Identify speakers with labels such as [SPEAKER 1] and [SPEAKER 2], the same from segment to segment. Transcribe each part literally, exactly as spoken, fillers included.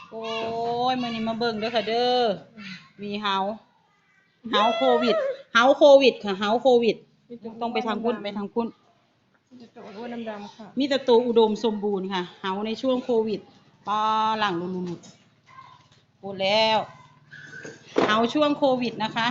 [SPEAKER 1] โอ้ยมื้อนี้มาเบิ่งเด้อค่ะเด้อมีเฮาเฮาโควิดเฮาโควิดค่ะเฮาโควิดต้องไปทางพุ่นไปทางพุ่น
[SPEAKER 2] มีแต่ตัวอ้วนดำๆค่ะ
[SPEAKER 1] มีแต่ตัวอุดมสมบูรณ์ค่ะเฮาในช่วงโควิดป้าหลังลุลุๆพูดแล้วเฮาช่วงโควิดนะคะ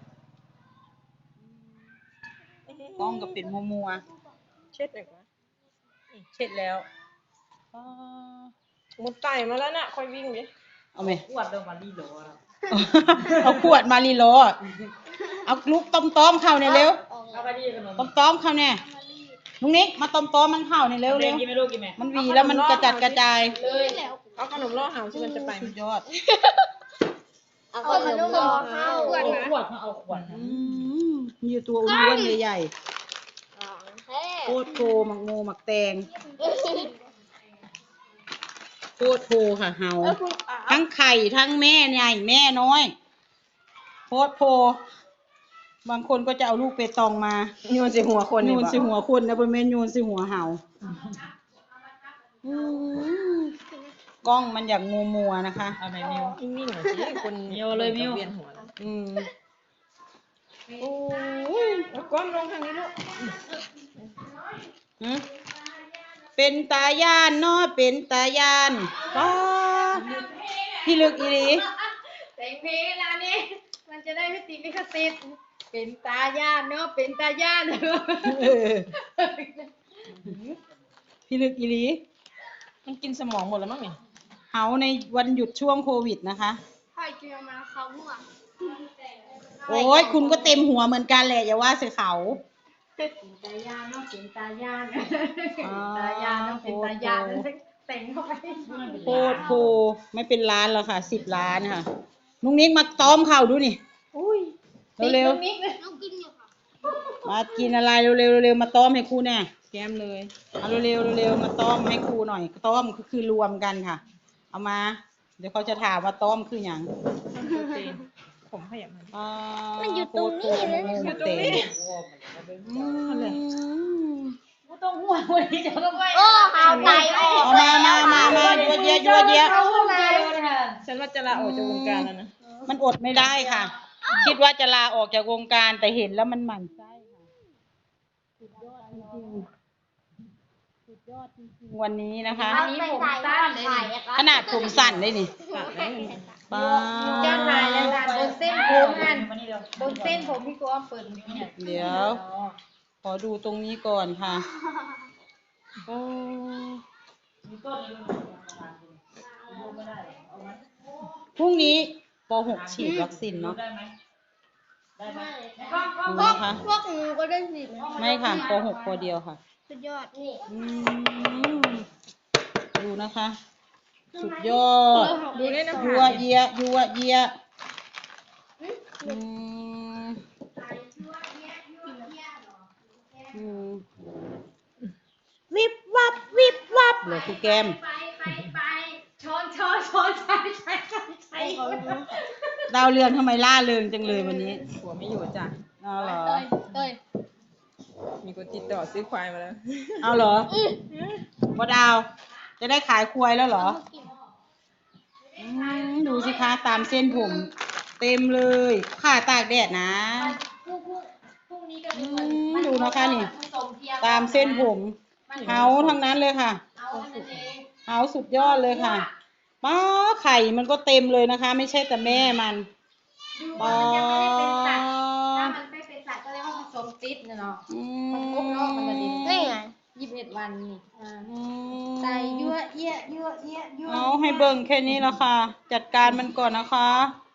[SPEAKER 1] กล้องก็เป็นมัว
[SPEAKER 2] เช็ดหน่อยก่อน
[SPEAKER 1] ๆเช็ดแล้วป้า
[SPEAKER 2] มุดไต่มาแล้วน่ะค่อยวิ่งดิ
[SPEAKER 1] เอาไหม
[SPEAKER 3] ขวดเดิมมาลีโหลอะ
[SPEAKER 1] เอาขวดมาลีโลเอาลูกต้มต้มๆเข้าเนี่ยเร็ว
[SPEAKER 3] เอาไปดีขนม
[SPEAKER 1] ต้มต้มๆเข้าเนี่ยลุงนิกมาต้มต้มๆมันเข้าเนี่ยเร็วเร็ว
[SPEAKER 3] กินไหมลูกกินไหม
[SPEAKER 1] มันหวีแล้วมันกระจัดกระจาย
[SPEAKER 2] เอาขนมล่อหาวที่มันจะไป
[SPEAKER 1] สุดยอด
[SPEAKER 4] เอาขนมรอข้าว
[SPEAKER 3] เอาขวดมาเอาขวด
[SPEAKER 1] อืมมีตัวอ้วนๆใหญ่ๆ โคตรโทหมักโมหมักแตงโคตรโทค่ะเฮาทั้งไข่ทั้งแม่ใหญ่แม่น้อยโคตรโทบางคนก็จะเอาลูกเปตองมา
[SPEAKER 2] โยนใส่หัวคน
[SPEAKER 1] โย
[SPEAKER 2] นี่
[SPEAKER 1] น
[SPEAKER 2] บ่
[SPEAKER 1] ใส่หัวคนนะบนเมนโยนใส่หัวเห่าอืมกล้องมันอย่างมัวมัวๆนะคะ
[SPEAKER 3] เอาไหมมิว
[SPEAKER 2] นิ่งๆหน่อยสิคน
[SPEAKER 3] มิวเลยมิว
[SPEAKER 2] เวียนหัวแล้ว
[SPEAKER 1] อืม
[SPEAKER 2] โอ้ยเอาก้อนลงทางนี้ลูก
[SPEAKER 1] หืมเป็นตาย่านเนาะเป็นตาย่านป้าพี่ลึกอีหลี
[SPEAKER 4] แต่งเพลงแล้วนี่มันจะได้ไม่ติดลิขสิทธิ์เป็นตาย่านเนาะเป็นตาย่านเนาะ
[SPEAKER 1] เออพี่ลึกอีหลี
[SPEAKER 2] มันกินสมองหมดแล้วมั้งนี่
[SPEAKER 1] เฮาในวันหยุดช่วงโควิดนะคะ
[SPEAKER 4] พ่อยเจียมาเขาหัว
[SPEAKER 1] โอ้ยคุณก็เต็มหัวเหมือนกันแหละอย่าว่าใส่เขา
[SPEAKER 4] เป็นตาย่านเนาะเป็นตาย่าน
[SPEAKER 1] อ๋อ
[SPEAKER 4] ตาย่านเนาะเป็นตาย่านแต่งเข้าไป
[SPEAKER 1] โคตรโพไม่เป็นล้านแล้วค่ะสิบล้านค่ะนุ้งนิกมาต้อมเข่าดูนี่
[SPEAKER 4] อุ้ย
[SPEAKER 1] เร็ว
[SPEAKER 4] นิดเลยน้องกินอยู่ค่ะ
[SPEAKER 1] ๆมากินอะไรเร็วๆเร็วๆมาต้อมให้ครูแน่
[SPEAKER 2] แก้มเลย
[SPEAKER 1] เอาเร็วๆเร็วๆมาต้อมให้ครูหน่อยต้อมก็คือรวมกันค่ะ เอามา เดี๋ยวเขาจะถามว่าต้อมคืออย่าง
[SPEAKER 2] โปรตีนผมขยับมัน
[SPEAKER 1] อ่า
[SPEAKER 4] มันอยู่ตรงนี้เลย
[SPEAKER 1] โคตรโพโมโมเตงอืม
[SPEAKER 3] ไม่ต้องห่วงวันนี้จะต้องไป
[SPEAKER 4] โอ้หาวไตออก
[SPEAKER 1] เอามามามามายัวเยียยัวเยีย
[SPEAKER 3] เข้ามาเลยค่ะ
[SPEAKER 2] ฉันว่าจะลาออกจากวงการแล้วนะ
[SPEAKER 1] มันอดไม่ได้ค่ะ คิดว่าจะลาออกจากวงการแต่เห็นแล้วมันหมั่นไส้ค่ะสุดยอดจริงๆสุดยอดจริงๆวันนี้นะคะ
[SPEAKER 4] อันนี้ผมสั้นเลย
[SPEAKER 1] ขนาดผมสั่นได้นี่ป้า
[SPEAKER 4] เจ้านายแล้วนะบนเส้นผมนั่น
[SPEAKER 3] มานี่เร็ว
[SPEAKER 4] บนเส้นผมพี่กวางเปิดเนี่ย
[SPEAKER 1] เดี๋ยว ขอดูตรงนี้ก่อนค่ะโอ้
[SPEAKER 3] มีต้นนี้มันไม่ได้เอาไหม
[SPEAKER 1] พรุ่งนี้ป .หก ฉีดวัคซีนเนาะ
[SPEAKER 3] ได้ไหมได้ไหม
[SPEAKER 1] ดูนะคะ
[SPEAKER 4] พวกหนูก็ได้สิทธิ์นะ
[SPEAKER 1] ไม่ค่ะป .หก ปเดียวค่ะ
[SPEAKER 4] สุดยอดนี่
[SPEAKER 1] อืมดูนะคะ สุดยอด
[SPEAKER 2] ดูได้นะ
[SPEAKER 1] ยัวเยียยัวเยียอืมอืมวิบวับวิบวับเหลือคือแก้ม
[SPEAKER 4] ไปไปไปช้อนช้อนช้อนใช้ใช้ใช้ใช้
[SPEAKER 1] ดาวเรืองทำไมล่าเริงจังเลยวันนี้
[SPEAKER 2] หัวไม่อยู่จ้ะ
[SPEAKER 1] เอาเหรอ
[SPEAKER 4] เต้ย
[SPEAKER 2] มีคนติดต่อซื้อควายมาแล้ว
[SPEAKER 1] เอาเหรอว่าดาว จะได้ขายควายแล้วเหรออืมดูสิคะตามเส้นผม เต็มเลยข่าตากแดดนะ
[SPEAKER 4] พรุ่งพรุ่งนี้ก็
[SPEAKER 1] อื
[SPEAKER 4] มี
[SPEAKER 1] มดูนะคะนี่
[SPEAKER 4] ผสมเทียม
[SPEAKER 1] ตามเส้นผมเฮาทั้งนั้นเลยค่ะ
[SPEAKER 4] เอาอันนั้นเอง
[SPEAKER 1] เฮาสุดยอดเลยค่ะป้าไข่มันก็เต็มเลยนะคะ ไม่ใช่แต่แม่มัน
[SPEAKER 4] ดู
[SPEAKER 1] ป้า
[SPEAKER 4] ว่ามันยังไม่ได้เป็นสัตว์ถ้ามันไม่เป็นสัตว์ก็เรียกว่าผสมติดเนาะ
[SPEAKER 1] อื
[SPEAKER 4] มันครบเนาะมันละดิ
[SPEAKER 1] นี่
[SPEAKER 4] ยี่สิบเอ็ดวันนี่อ่า
[SPEAKER 1] อืม
[SPEAKER 4] ใส่ยั่วเอี้ยยั่วเอี้ยยั่ว
[SPEAKER 1] เอาให้เบิ่งแค่นี้ละค่ะ จัดการมันก่อนนะคะ